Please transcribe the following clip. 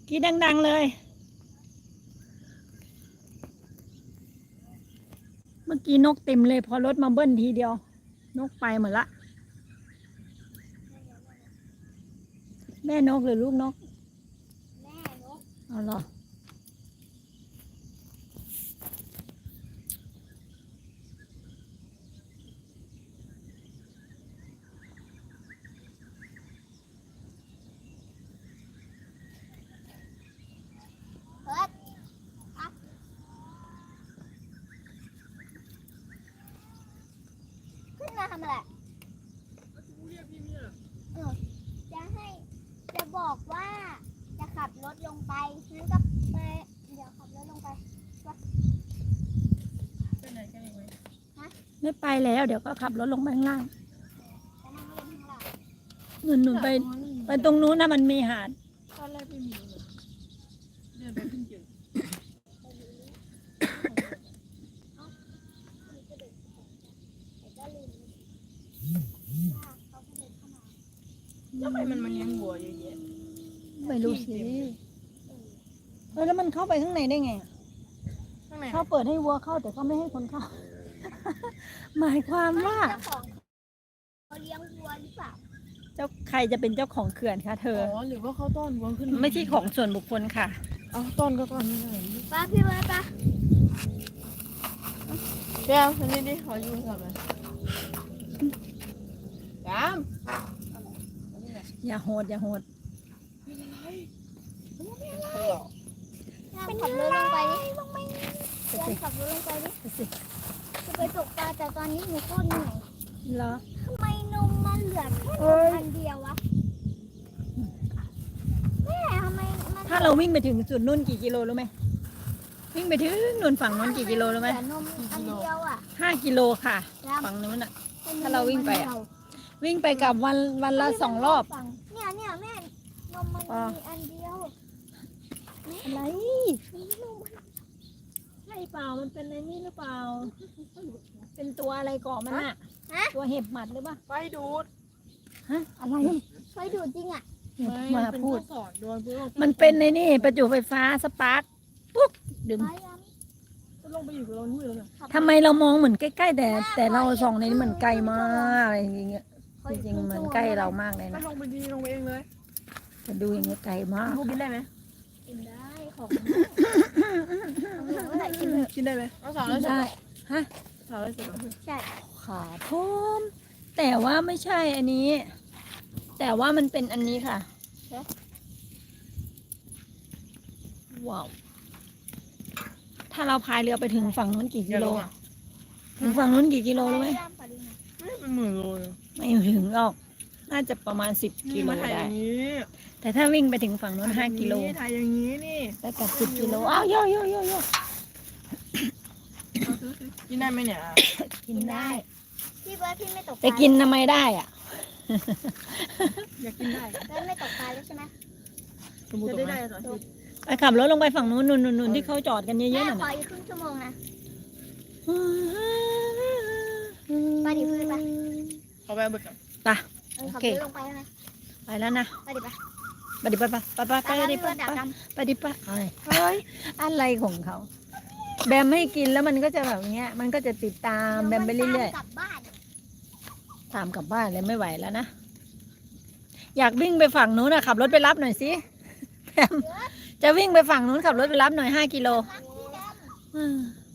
กรีดดังๆเลย เมื่อกี้นกเต็มเลยพอรถมาเบิ้ลทีเดียว นกไปหมดละ แม่นกหรือลูกนกแม่นกเอาเหรอเพิร์ดครับขึ้นมาทำอะไรจะบอกว่าจะขับรถลงไปงั้นก็ไปเดี๋ยวขับรถลงไปไม่ไปแล้วเดี๋ยวก็ขับรถลงไปข้างล่างจะนั่งเล่นข้างล่างหนุนไปตรงนู้นนะมันมีหาดตอนแรกไม่มีเลยเดินไปขึ้นเจอแต่ก็ลืมว่าเขาเดินเข้ามาแล้วทำไมมันมาเลี้ยงวัวเยอะแยะไม่รู้สิแล้วมันเข้าไปข้างในได้ไงอะข้างในเขาเปิดให้วัวเข้าแต่เขาไม่ให้คนเข้า หมายความว่าเจ้าของเขาเลี้ยงวัวหรือเปล่าใครจะเป็นเจ้าของเขื่อนคะเธออ๋อหรือว่าเขาต้อนวัวขึ้นไม่ใช่ของส่วนบุคคลค่ะเอาต้อนก็ต้อนไม่ได้ป้าพี่ว่าป้าเดี๋ยวอันนี้ดิขอยูสับเลยยามอย่าโหดอย่าโหดขับรถลงไปดิขับรถลงไปดิไปสิจะไปตกปลาแต่ตอนนี้หนูโคตรเหนื่อยเหรอทำไมนมมันเหลือแค่นมอันเดียววะแม่ทำไมมันถ้าเราวิ่งไปถึงจุดนู่นกี่กิโลรู้ไหมวิ่งไปถึงนู่นฝั่งนู้นกี่กิโลรู้ไหมเหลือนมอันเดียวอ่ะ 5 กิโลค่ะแล้วฝั่งนู้นอ่ะเป็นถ้าเราวิ่งไปอะนมวิ่งไปกับวันละ2 รอบเนี่ยแม่นมมันมีอันเดียวอะไรใช่เปล่ามันเป็นในนี่หรือเปล่าเป็นตัวอะไรเกาะมันอ่ะ ตัวเห็บหมัดหรือเปล่าไฟดูดฮะอะไรไฟดูดจริงอ่ะมาเป็นพูดข้อสอดโดนพวกมันเป็นในนี่ประจุไฟฟ้าสปาร์คปุ๊บดึงไฟอะก็ลงไปอยู่กับเรานู่นแล้วเนี่ยทำไมเรามองเหมือนใกล้ๆแต่เราส่องในนี้เหมือนไกลมากอะไรอย่างเงี้ยจริงๆเหมือนใกล้เรามากเลยก็นะลงไปดีลงไปเองเลยแต่ดูอย่างเงี้ยไกลมากพวกกินได้ไหมกินได้ของเมื่อไหร่กินกินได้ไหมเอาสาวแล้วเสร็จได้ฮะสาวแล้วเสร็จใช่ขาพร้อมแต่ว่าไม่ใช่อันนี้ แต่ว่ามันเป็นอันนี้ค่ะว้าวถ้าเราพายเรือไปถึงฝั่งนู้นกี่กิโลถึงฝั่งนู้นกี่กิโลรู้ไหมไม่เป็นหมื่นโลเลยไม่ถึงหรอกน่าจะประมาณ10 กิโลมาถ่ายอได้ย่างนี้แต่ถ้าวิ่งไปถึงฝั่งนู้น5 กิโลถ่ายอย่างนี้นี่ได้กับ10 กิโลอ้าวโยโยโยโยกินได้ไหมเนี่ยกินได้พี่เบิร์ดพี่ไม่ตกปลาแต่กินทำไมได้อ่ะอยากกินได้เบิร์ดไม่ตกปลาแล้วใช่ไหมจะได้ได้ต่อชีวิตไปขับรถลงไปฝั่งนู้นนู่นที่เขาจอดกันเยแม่อะๆน่ะขออีกครึ่งชั่วโมงนะไปดิเพื่อนไปเขาไปเอาเบิกกับไปขับโอเครถลงไปไหมไปแล้วนะไปดิไปไปดิไปดิไปดับดิดำไปดิไปเฮ้ยอะไรของเขาแบมไม่กินแล้วมันก็จะแบบเนี้ย มันก็จะติดตามแบมไปเรื่อยกลับบ้านๆตามกลับบ้านเลยไม่ไหวแล้วนะอยากวิ่งไปฝั่งนู้นนะขับรถไปรับหน่อยสิแบมจะวิ่งไปฝั่งนู้นขับรถไปรับหน่อย5 กิโลรักพี่ดำ